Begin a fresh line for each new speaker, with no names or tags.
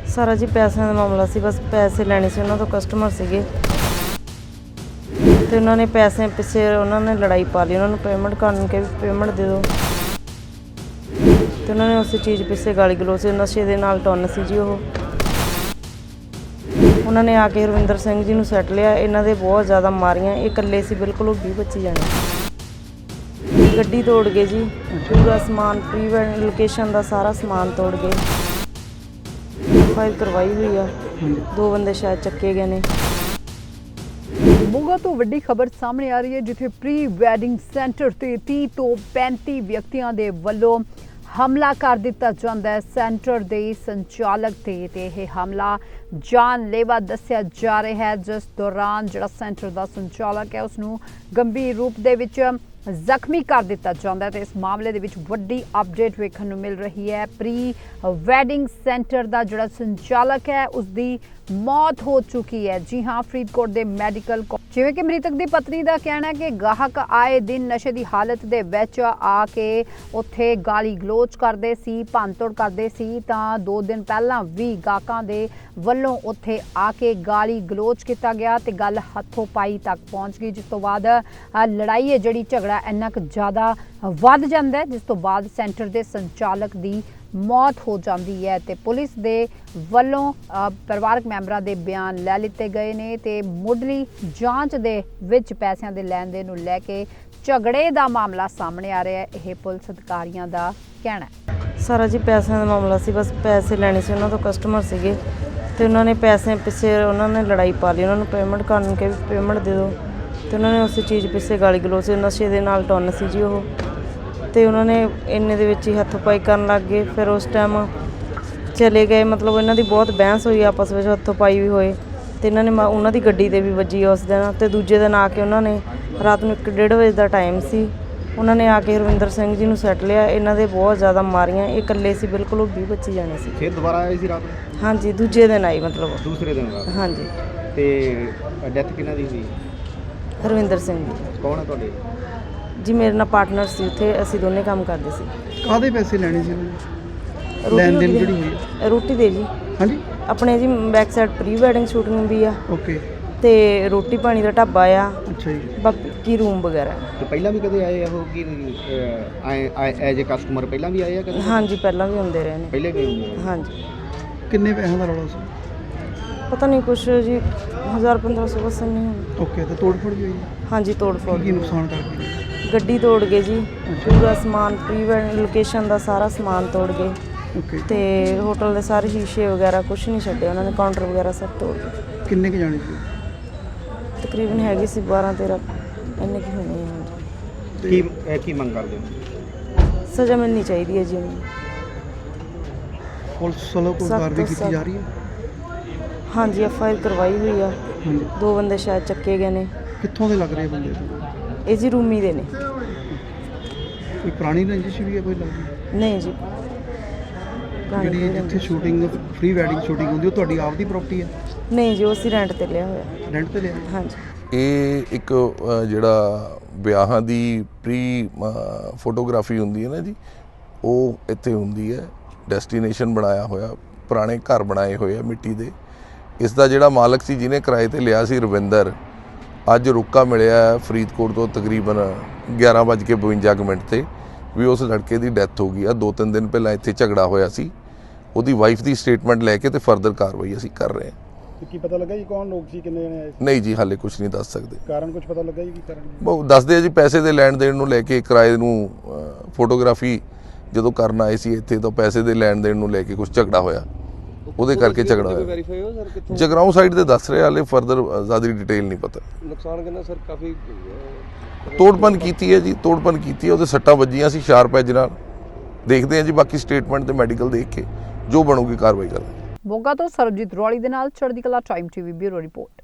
ਸਾਰਾ ਜੀ ਪੈਸਿਆਂ ਦਾ ਮਾਮਲਾ ਸੀ। ਬਸ ਪੈਸੇ ਲੈਣੇ ਸੀ ਉਹਨਾਂ ਤੋਂ, ਕਸਟਮਰ ਸੀਗੇ ਤੇ ਉਹਨਾਂ ਨੇ ਪੈਸੇ ਪਿੱਛੇ ਉਹਨਾਂ ਨੇ ਲੜਾਈ ਪਾ ਲਈ। ਉਹਨਾਂ ਨੂੰ ਪੇਮੈਂਟ ਕਰਨ ਕੇ ਪੇਮੈਂਟ ਦੇ ਦਿਓ ਤੇ ਉਹਨਾਂ ਨੇ ਉਸੇ ਚੀਜ਼ ਪਿੱਛੇ ਗਾਲੀ ਗਲੋਚ, ਨਸ਼ੇ ਦੇ ਨਾਲ ਟੁੰਨ ਸੀ ਜੀ ਉਹ। ਉਹਨਾਂ ਨੇ ਆ ਕੇ ਰਵਿੰਦਰ ਸਿੰਘ ਜੀ ਨੂੰ ਸੱਟ ਲਿਆ। ਇਹਨਾਂ ਦੇ ਬਹੁਤ ਜ਼ਿਆਦਾ ਮਾਰੀਆਂ। ਇਹ ਇਕੱਲੇ ਸੀ ਬਿਲਕੁਲ, ਉਹ 20-25 ਜਾਣੇ। ਗੱਡੀ ਤੋੜ ਗਏ ਜੀ, ਪੂਰਾ ਸਮਾਨ ਪ੍ਰੀ ਵੈਡਿੰਗ ਲੋਕੇਸ਼ਨ ਦਾ ਸਾਰਾ ਸਮਾਨ ਤੋੜ ਗਏ। ਫਾਈਲ ਕਰਵਾਈ ਹੋਈ ਆ, 2 ਬੰਦੇ ਸ਼ਾਇਦ ਚੱਕੇ ਗਏ ਨੇ।
ਮੋਗਾ ਤੋਂ ਵੱਡੀ ਖਬਰ ਸਾਹਮਣੇ ਆ ਰਹੀ ਹੈ, ਜਿੱਥੇ ਪ੍ਰੀ ਵੈਡਿੰਗ ਸੈਂਟਰ ਤੇ 30 ਤੋਂ 35 ਵਿਅਕਤੀਆਂ ਦੇ ਵੱਲੋਂ ਹਮਲਾ ਕਰ ਦਿੱਤਾ ਜਾਂਦਾ ਹੈ ਸੈਂਟਰ ਦੇ ਸੰਚਾਲਕ ਤੇ ਇਹ ਹਮਲਾ ਜਾਨਲੇਵਾ ਦੱਸਿਆ ਜਾ ਰਿਹਾ ਹੈ, ਜਿਸ ਦੌਰਾਨ ਜਿਹੜਾ ਸੈਂਟਰ ਦਾ ਸੰਚਾਲਕ ਹੈ ਉਸ ਨੂੰ ਗੰਭੀਰ ਰੂਪ ਦੇ ਵਿੱਚ ਜ਼ਖਮੀ ਕਰ ਦਿੱਤਾ ਜਾਂਦਾ ਹੈ। ਤੇ ਇਸ ਮਾਮਲੇ ਦੇ ਵਿੱਚ ਵੱਡੀ ਅਪਡੇਟ ਵੇਖਣ ਨੂੰ ਮਿਲ ਰਹੀ ਹੈ। ਪ੍ਰੀ ਵੈਡਿੰਗ ਸੈਂਟਰ ਦਾ ਜਿਹੜਾ ਸੰਚਾਲਕ ਹੈ ਉਸ ਦੀ ਮੌਤ ਹੋ ਚੁੱਕੀ ਹੈ। ਜੀ ਹਾਂ, ਫਰੀਦਕੋਟ ਦੇ ਮੈਡੀਕਲ ਜਿਵੇਂ ਕਿ ਮ੍ਰਿਤਕ ਦੀ ਪਤਨੀ ਦਾ ਕਹਿਣਾ ਹੈ ਕਿ ਗਾਹਕ ਆਏ ਦਿਨ ਨਸ਼ੇ ਦੀ ਹਾਲਤ ਦੇ ਵਿੱਚ ਆ ਕੇ ਉੱਥੇ ਗਾਲੀ ਗਲੋਚ ਕਰਦੇ ਸੀ, ਭੰਨਤੋੜ ਕਰਦੇ ਸੀ। ਤਾਂ 2 ਦਿਨ ਪਹਿਲਾਂ ਵੀ ਗਾਹਕਾਂ ਦੇ ਵੱਲੋਂ ਉੱਥੇ ਆ ਕੇ ਗਾਲੀ ਗਲੋਚ ਕੀਤਾ ਗਿਆ ਤੇ ਗੱਲ ਹੱਥੋਂ ਪਾਈ ਤੱਕ ਪਹੁੰਚ ਗਈ, ਜਿਸ ਤੋਂ ਬਾਅਦ ਲੜਾਈ ਹੈ ਜਿਹੜੀ ਝਗੜਾ ਇੰਨਾ ਕੁ ਜ਼ਿਆਦਾ ਵੱਧ ਜਾਂਦਾ ਹੈ, ਜਿਸ ਤੋਂ ਬਾਅਦ ਸੈਂਟਰ ਦੇ ਸੰਚਾਲਕ ਦੀ ਮੌਤ ਹੋ ਜਾਂਦੀ ਹੈ। ਤੇ ਪੁਲਿਸ ਦੇ ਵੱਲੋਂ ਪਰਿਵਾਰਕ ਮੈਂਬਰਾਂ ਦੇ ਬਿਆਨ ਲੈ ਲਿੱਤੇ ਗਏ ਨੇ ਤੇ ਮੁੱਢਲੀ ਜਾਂਚ ਦੇ ਵਿੱਚ ਪੈਸਿਆਂ ਦੇ ਲੈਣ ਦੇਣ ਨੂੰ ਲੈ ਕੇ ਝਗੜੇ ਦਾ ਮਾਮਲਾ ਸਾਹਮਣੇ ਆ ਰਿਹਾ ਹੈ। ਇਹ ਪੁਲਿਸ ਅਧਿਕਾਰੀਆਂ ਦਾ ਕਹਿਣਾ ਹੈ।
ਸਾਰਾ ਜੀ ਪੈਸਿਆਂ ਦਾ ਮਾਮਲਾ ਸੀ। ਬਸ ਪੈਸੇ ਲੈਣੇ ਸੀ ਉਹਨਾਂ ਤੋਂ, ਕਸਟਮਰ ਸੀਗੇ ਤੇ ਉਹਨਾਂ ਨੇ ਪੈਸੇ ਪਿੱਛੇ ਉਹਨਾਂ ਨੇ ਲੜਾਈ ਪਾ ਲਈ। ਉਹਨਾਂ ਨੂੰ ਪੇਮੈਂਟ ਕਰਨ ਕੇ ਪੇਮੈਂਟ ਦੇ ਦਿਓ ਤੇ ਉਹਨਾਂ ਨੇ ਉਸੇ ਚੀਜ਼ ਪਿੱਛੇ ਗਾਲੀ ਗਲੋਚ, ਨਸ਼ੇ ਦੇ ਨਾਲ ਟੁੰਨ ਸੀ ਜੀ ਉਹ। ਤੇ ਉਹਨਾਂ ਨੇ ਇੰਨੇ ਦੇ ਵਿੱਚ ਹੀ ਹੱਥੋਂ ਪਾਈ ਕਰਨ ਲੱਗ ਗਏ। ਫਿਰ ਉਸ ਟਾਈਮ ਚਲੇ ਗਏ, ਮਤਲਬ ਇਹਨਾਂ ਦੀ ਬਹੁਤ ਬਹਿਸ ਹੋਈ ਆਪਸ ਵਿੱਚ, ਹੱਥੋਂ ਪਾਈ ਵੀ ਹੋਏ ਤੇ ਇਹਨਾਂ ਨੇ ਉਹਨਾਂ ਦੀ ਗੱਡੀ ਤੇ ਵੀ ਵੱਜੀ ਉਸ ਦਿਨ। ਤੇ ਦੂਜੇ ਦਿਨ ਆ ਕੇ ਉਹਨਾਂ ਨੇ ਰਾਤ ਨੂੰ 1-1:30 ਵਜੇ ਦਾ ਟਾਈਮ ਸੀ, ਉਹਨਾਂ ਨੇ ਆ ਕੇ ਰਵਿੰਦਰ ਸਿੰਘ ਜੀ ਨੂੰ ਸੱਟ ਲਿਆ। ਇਹਨਾਂ ਦੇ ਬਹੁਤ ਜ਼ਿਆਦਾ ਮਾਰੀਆਂ। ਇਹ ਇਕੱਲੇ ਸੀ ਬਿਲਕੁਲ, ਉਹ 20-25 ਜਾਣੇ ਸੀ।
ਫਿਰ ਦੁਬਾਰਾ ਆਏ ਸੀ ਰਾਤ ਨੂੰ?
ਹਾਂਜੀ, ਦੂਜੇ ਦਿਨ ਆਈ, ਮਤਲਬ
ਦੂਸਰੇ ਦਿਨ ਰਾਤ।
ਹਾਂਜੀ।
ਤੇ ਡੈਥ ਕਿਹਨਾਂ ਦੀ ਹੋਈ?
ਰਵਿੰਦਰ ਸਿੰਘ ਜੀ।
ਕੌਣ ਹੈ ਤੁਹਾਡੇ?
ਜੀ ਮੇਰੇ ਨਾਲ ਪਾਰਟਨਰ ਸੀ ਉੱਥੇ, ਅਸੀਂ ਦੋਨੇ ਕੰਮ ਕਰਦੇ ਸੀ।
ਕਾਹਦੇ ਪੈਸੇ ਲੈਣੇ ਸੀ ਉਹਨਾਂ ਨੇ? ਲੈਣ ਦੇਣ ਜਿਹੜੀ ਹੋਈ?
ਰੋਟੀ ਦੇ ਜੀ।
ਹਾਂਜੀ,
ਆਪਣੇ ਜੀ back side pre wedding shooting ਵੀ ਆ
ਓਕੇ।
ਤੇ ਰੋਟੀ ਪਾਣੀ ਦਾ ਢਾਬਾ ਆ,
ਅੱਛਾ ਜੀ।
ਬਾਕੀ ਰੂਮ ਵਗੈਰਾ।
ਤੇ ਪਹਿਲਾਂ ਵੀ ਕਦੇ ਆਏ ਉਹ ਕਿ ਐਜ਼ ਏ ਕਸਟਮਰ ਪਹਿਲਾਂ ਵੀ ਆਏ ਆ ਕਦੇ?
ਹਾਂਜੀ, ਪਹਿਲਾਂ ਵੀ ਹੁੰਦੇ ਰਹੇ ਨੇ।
ਪਹਿਲੇ ਵੀ ਹੁੰਦੇ ਆ?
ਹਾਂਜੀ।
ਕਿੰਨੇ ਪੈਸਿਆਂ ਦਾ ਰੌਲਾ ਸੀ?
ਪਤਾ ਨਹੀਂ, ਕੁਛ ਜੀ 1000-1500 ਬਸ ਨਹੀਂ ਹੁਣ।
ਓਕੇ। ਤੇ ਤੋੜ ਫੋੜ ਵੀ ਹੋਈ?
ਹਾਂਜੀ, ਤੋੜ ਫੋੜ।
ਕੀ ਨੁਕਸਾਨ ਕਰ ਗਏ?
ਗੱਡੀ ਤੋੜ ਗਏ ਜੀ, ਪੂਰਾ ਸਮਾਨ ਪ੍ਰੀ ਵੈਡਿੰਗ ਲੋਕੇਸ਼ਨ ਦਾ ਸਾਰਾ ਸਮਾਨ ਤੋੜ ਗਏ
ਓਕੇ।
ਤੇ ਹੋਟਲ ਦੇ ਸਾਰੇ ਸ਼ੀਸ਼ੇ ਵਗੈਰਾ ਕੁਛ ਨਹੀਂ ਛੱਡੇ ਉਹਨਾਂ ਨੇ, ਕਾਊਂਟਰ ਵਗੈਰਾ ਸਭ ਤੋੜ ਗਏ।
ਕਿੰਨੇ ਕੁ ਜਾਣੇ ਸੀ?
ਤਕਰੀਬਨ ਹੈਗੀ ਸੀ 12-13 ਇੰਨੇ ਕੀ ਹੋਣੇ ਆ।
ਕੀ ਮੰਗ ਕਰਦੇ ਹੋ?
ਸਜ਼ਾ ਮਿਲਣੀ ਚਾਹੀਦੀ ਹੈ ਜੀ ਉਹਨੂੰ।
ਪੁਲਿਸ ਵੱਲੋਂ ਕੋਈ ਕਾਰਵਾਈ ਕੀਤੀ ਜਾ ਰਹੀ ਹੈ?
ਹਾਂਜੀ, FIR ਕਰਵਾਈ ਹੋਈ ਆ,
ਹਾਂਜੀ।
2 ਬੰਦੇ ਸ਼ਾਇਦ ਚੱਕੇ ਗਏ ਨੇ।
ਕਿੱਥੋਂ ਦੇ ਲੱਗ ਰਹੇ ਬੰਦੇ?
ਇਹ ਜੀ ਰੂਮੀ ਦੇ ਨੇ।
ਕੋਈ ਪੁਰਾਣੀ ਰੰਜਿਸ਼ ਵੀ ਹੈ ਕੋਈ ਲੱਗਦੀ?
ਨਹੀਂ ਜੀ।
ਜਿਹੜੀ ਜਿੱਥੇ ਸ਼ੂਟਿੰਗ ਪ੍ਰੀ ਵੈਡਿੰਗ ਸ਼ੂਟਿੰਗ ਹੁੰਦੀ ਉਹ ਤੁਹਾਡੀ ਆਪਦੀ ਪ੍ਰਾਪਰਟੀ ਹੈ?
ਨਹੀਂ ਜੀ, ਉਹ ਅਸੀਂ ਰੈਂਟ ਤੇ ਲਿਆ ਹੋਇਆ।
ਰੈਂਟ ਤੇ ਲਿਆ?
ਹਾਂਜੀ।
ਇਹ ਇੱਕ ਜਿਹੜਾ ਵਿਆਹਾਂ ਦੀ ਪ੍ਰੀ ਫੋਟੋਗ੍ਰਾਫੀ ਹੁੰਦੀ ਹੈ ਨਾ ਜੀ, ਉਹ ਇੱਥੇ ਹੁੰਦੀ ਹੈ। ਡੈਸਟੀਨੇਸ਼ਨ ਬਣਾਇਆ ਹੋਇਆ, ਪੁਰਾਣੇ ਘਰ ਬਣਾਏ ਹੋਏ ਆ ਮਿੱਟੀ ਦੇ। ਇਸ ਦਾ ਜਿਹੜਾ ਮਾਲਕ ਸੀ ਜਿਹਨੇ ਕਿਰਾਏ ਤੇ ਲਿਆ ਸੀ, ਰਵਿੰਦਰ, ਅੱਜ ਰੁਕਾ ਮਿਲਿਆ ਫਰੀਦਕੋਟ ਤੋਂ ਤਕਰੀਬਨ 11:52 ਤੇ ਵੀ ਉਸ ਲੜਕੇ ਦੀ ਡੈਥ ਹੋ ਗਈ ਆ। 2-3 ਦਿਨ ਪਹਿਲਾਂ ਇੱਥੇ ਝਗੜਾ ਹੋਇਆ ਸੀ। ਉਹਦੀ ਵਾਈਫ ਦੀ ਸਟੇਟਮੈਂਟ ਲੈ ਕੇ ਤੇ ਫਰਦਰ ਕਾਰਵਾਈ ਅਸੀਂ ਕਰ ਰਹੇ ਹਾਂ।
ਕੀ ਪਤਾ ਲੱਗਾ ਜੀ ਕੌਣ ਲੋਕ ਸੀ, ਕਿੰਨੇ ਜਣੇ ਆਏ ਸੀ?
ਨਹੀਂ ਜੀ, ਹਾਲੇ ਕੁਝ ਨਹੀਂ ਦੱਸ ਸਕਦੇ।
ਕਾਰਨ ਕੁਝ ਪਤਾ ਲੱਗਾ ਜੀ ਕੀ ਕਾਰਨ?
ਬਹੁਤ ਦੱਸਦੇ ਆ ਜੀ, ਪੈਸੇ ਦੇ ਲੈਣ ਦੇਣ ਨੂੰ ਲੈ ਕੇ, ਕਿਰਾਏ ਨੂੰ ਫੋਟੋਗ੍ਰਾਫੀ ਜਦੋਂ ਕਰਨ ਆਏ ਸੀ ਇੱਥੇ ਤਾਂ ਪੈਸੇ ਦੇ ਲੈਣ ਦੇਣ ਨੂੰ ਲੈ ਕੇ ਕੁਝ ਝਗੜਾ ਹੋਇਆ, ਉਹਦੇ ਕਰਕੇ ਝਗੜਾ ਹੋਇਆ। ਜਗਰਾਉਂ ਸਾਈਡ ਦੇ ਦੱਸ ਰਹੇ, ਹਾਲੇ ਫਰਦਰ ਜ਼ਿਆਦਾ ਡਿਟੇਲ ਨਹੀਂ ਪਤਾ।
ਨੁਕਸਾਨ ਕਿੰਨਾ ਸਰ? ਕਾਫੀ
ਤੋੜਪਨ ਕੀਤੀ ਹੈ ਜੀ, ਤੋੜਪਨ ਕੀਤੀ ਹੈ। ਉਹਦੇ ਸੱਟਾਂ ਵੱਜੀਆਂ ਸੀ ਸ਼ਾਰਪ ਐਜ ਨਾਲ। ਦੇਖਦੇ ਹਾਂ ਜੀ, ਬਾਕੀ ਸਟੇਟਮੈਂਟ ਤੇ ਮੈਡੀਕਲ ਦੇਖ ਕੇ ਜੋ ਬਣੂਗੀ ਕਾਰਵਾਈ ਕਰਾਂਗੇ।
ਮੋਗਾ ਤੋਂ ਸਰਬਜੀਤ ਰੌਲੀ ਦੇ ਨਾਲ ਚੜ੍ਹਦੀ ਕਲਾ ਟਾਈਮ TV ਬਿਊਰੋ ਰਿਪੋਰਟ।